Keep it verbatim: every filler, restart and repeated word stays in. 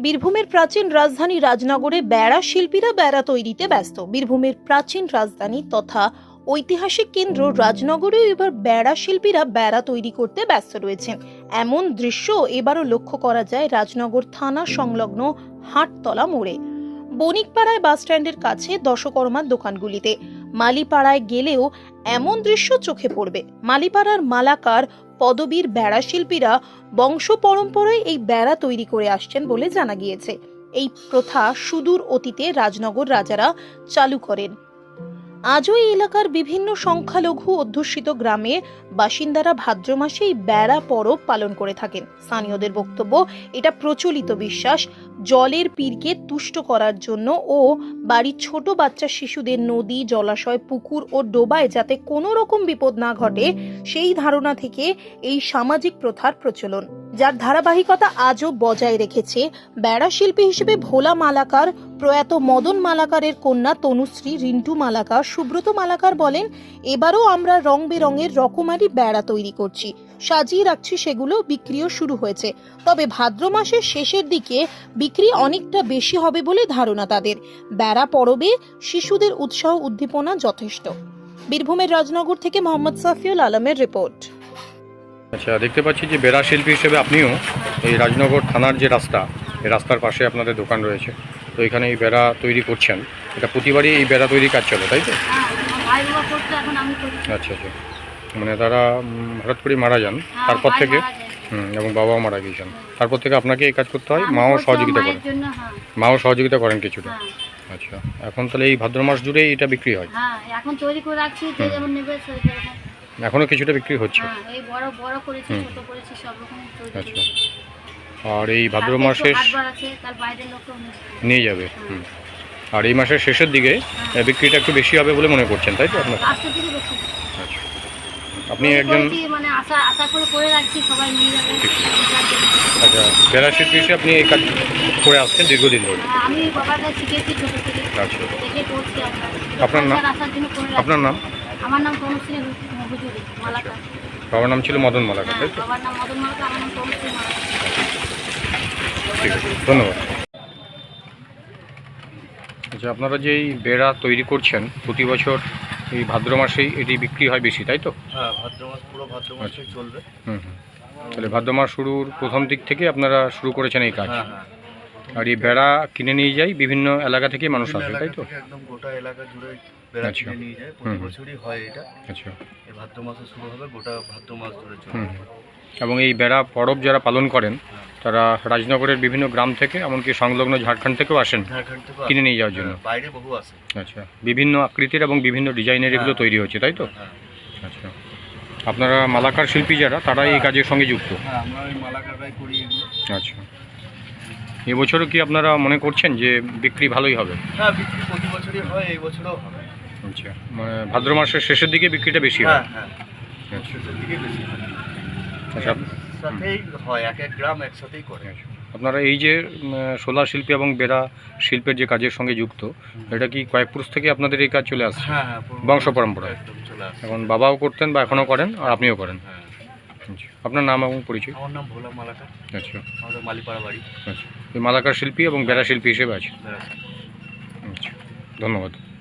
বীরভূমের প্রাচীন রাজধানী রাজনগরে বেড়া শিল্পীরা বেড়া তৈরিতে ব্যস্ত। বীরভূমের প্রাচীন রাজধানী তথা ঐতিহাসিক কেন্দ্র রাজনগরেও এবার বেড়া শিল্পীরা বেড়া তৈরি করতে ব্যস্ত রয়েছেন। এমন দৃশ্য এবারও লক্ষ্য করা যায় রাজনগর থানা সংলগ্ন হাটতলা মোড়ে, বণিকপাড়ায় বাস স্ট্যান্ডের কাছে দশকর্মার দোকানগুলিতে। মালিপাড়ায় গেলেও এমন দৃশ্য চোখে পড়বে। মালিপাড়ার মালাকার পদবীর বেড়া শিল্পীরা বংশ পরম্পরায় এই বেড়া তৈরি করে আসছেন বলে জানা গিয়েছে। এই প্রথা সুদূর অতীতে রাজনগর রাজারা চালু করেন। আজও এই এলাকার বিভিন্ন সংখ্যালঘু অধ্যুষিত গ্রামে বাসিন্দারা ভাদ্র মাসে এই বেড়া পরব পালন করে থাকেন। স্থানীয়দের বক্তব্য, এটা প্রচলিত বিশ্বাস জলের পীরকে তুষ্ট করার জন্য ও বাড়ির ছোট বাচ্চা শিশুদের নদী, জলাশয়, পুকুর ও ডোবায় যাতে কোনো রকম বিপদ না ঘটে, সেই ধারণা থেকে এই সামাজিক প্রথার প্রচলন, যার ধারাবাহিকতা আজও বজায় রেখেছে বেড়া শিল্পী হিসেবে ভোলা মালাকার, প্রয়াত মদন মালাকারের কন্যা তনুশ্রী, রিন্টু মালাকার, সুব্রত মালাকার বলেন, এবারও আমরা রং বেরঙের রকমারি বেড়া তৈরি করছি, সাজিয়ে রাখছি, সেগুলো বিক্রিও শুরু হয়েছে। তবে ভাদ্র মাসের শেষের দিকে বিক্রি অনেকটা বেশি হবে বলে ধারণা তাদের। বেড়া পরবে শিশুদের উৎসাহ উদ্দীপনা যথেষ্ট। বীরভূমের রাজনগর থেকে মোহাম্মদ সাফিউল আলমের রিপোর্ট। আচ্ছা, দেখতে পাচ্ছি যে বেড়া শিল্পী হিসেবে আপনিও এই রাজনগর থানার যে রাস্তা, এই রাস্তার পাশে আপনাদের দোকান রয়েছে, তো এখানে এই বেড়া তৈরি করছেন। এটা প্রতিবারই এই বেড়া তৈরি কাজ চলে, তাই তো? আচ্ছা আচ্ছা, মানে তারা হঠাৎ করে মারা যান, তারপর থেকে হুম এবং বাবাও মারা গিয়েছেন, তারপর থেকে আপনাকে এই কাজ করতে হয়, মাও সহযোগিতা করেন, মাও সহযোগিতা করেন কিছুটা। আচ্ছা, এখন তাহলে এই ভাদ্র মাস জুড়েই এটা বিক্রি হয়? এখন তৈরি করে রাখছি, যে যেমন নেবে এখনো কিছুটা বিক্রি হচ্ছে। এই বড় বড় করেছি, ছোট করেছি, সব রকম তৈরি আচ্ছা, আর এই ভাদ্র মাসের নিয়ে যাবে। হুম, আর এই মাসের শেষের দিকে বিক্রিটা একটু বেশি হবে বলে মনে করছেন, তাই তো? আপনার আচ্ছা, আপনি একজন মানে আশা আশা করে করে রাখছি সবাই নিয়ে যাবে। আচ্ছা, বেড়া শিল্পী হিসেবে আপনি এই কাজ করে আসছেন দীর্ঘদিন ধরে? আমি বাবার কাছে শিখেছি ছোট থেকে। আচ্ছা, দেখে করছি। আপনার নাম? আপনার নাম? আমার নাম তনুশ্রী হুজুরি মালাকার। বাবার নাম ছিল মদন মালাকার, তাই তো? বাবার নাম মদন মালাকার, আমার নাম তনুশ্রী মালাকার। ঠিক আছে, ধন্যবাদ। আচ্ছা, আপনারা যে এই বেড়া তৈরি করছেন প্রতি বছর এই ভাদ্র মাসেই এটি বিক্রি হয় বেশি, তাই তো? হ্যাঁ, ভাদ্র মাস পুরো ভাদ্র মাসে চলবে। হুম হুম, তাহলে ভাদ্র মাস শুরুর প্রথম দিক থেকে আপনারা শুরু করেছেন এই কাজ? হ্যাঁ হ্যাঁ, আর এই বেড়া কিনে নিয়ে যাই বিভিন্ন এলাকা থেকে মানুষ আসে, তাই তো? একদম গোটা এলাকা জুড়ে বেড়া আচ্ছা, কিনে নিয়ে যায়, প্রতি বছরই হয় এটা। আচ্ছা, এই ভাদ্র মাসে শুরু হবে, গোটা ভাদ্র মাস ধরে হুম চলবে। হুম। এবং এই বেড়া পরব যারা পালন করেন তারা রাজনগরের বিভিন্ন গ্রাম থেকে, এমনকি সংলগ্ন ঝাড়খণ্ড থেকেও আসেন ঝাড়খণ্ড থেকে কিনে নিয়ে যাওয়ার জন্য? বাইরে বহু আসে। আচ্ছা, বিভিন্ন আকৃতির এবং বিভিন্ন ডিজাইনের এগুলো তৈরি হচ্ছে, তাই তো? হ্যাঁ, আচ্ছা, আপনারা মালাকার শিল্পী যারা, তারা এই কাজের সঙ্গে যুক্ত? হ্যাঁ, আমরা ওই মালাকাররাই করি এগুলো। আচ্ছা, এবছরও কি আপনারা মনে করছেন যে বিক্রি ভালোই হবে? হ্যাঁ, বিক্রি প্রতি বছরই হয়, এই বছরও হবে। আচ্ছা, মানে ভাদ্র মাসের শেষের দিকে বিক্রিটা বেশি হয়? হ্যাঁ হ্যাঁ, আচ্ছা শেষের দিকে বেশি হয়। আচ্ছা, সাথেই হয়, এক এক গ্রাম একসাথেই করে। আচ্ছা, আপনারা এই যে সোলা শিল্পী এবং বেড়া শিল্পের যে কাজের সঙ্গে যুক্ত, এটা কি কয়েক পুরুষ থেকে আপনাদের এই কাজ চলে আসছে? হ্যাঁ হ্যাঁ, পুরো বংশ পরম্পরা একদম চলে আসে। এখন বাবাও করতেন বা এখনও করেন, আর আপনিও করেন? হ্যাঁ, আচ্ছা, আপনার নাম এবং পরিচয়? আমার নাম ভোলা মালাকার, আচ্ছা আমাদের মালিপাড়া বাড়ি। আচ্ছা, এই মালাকার শিল্পী এবং বেড়া শিল্পী হিসেবে আছে? বেড়া। আচ্ছা, ধন্যবাদ।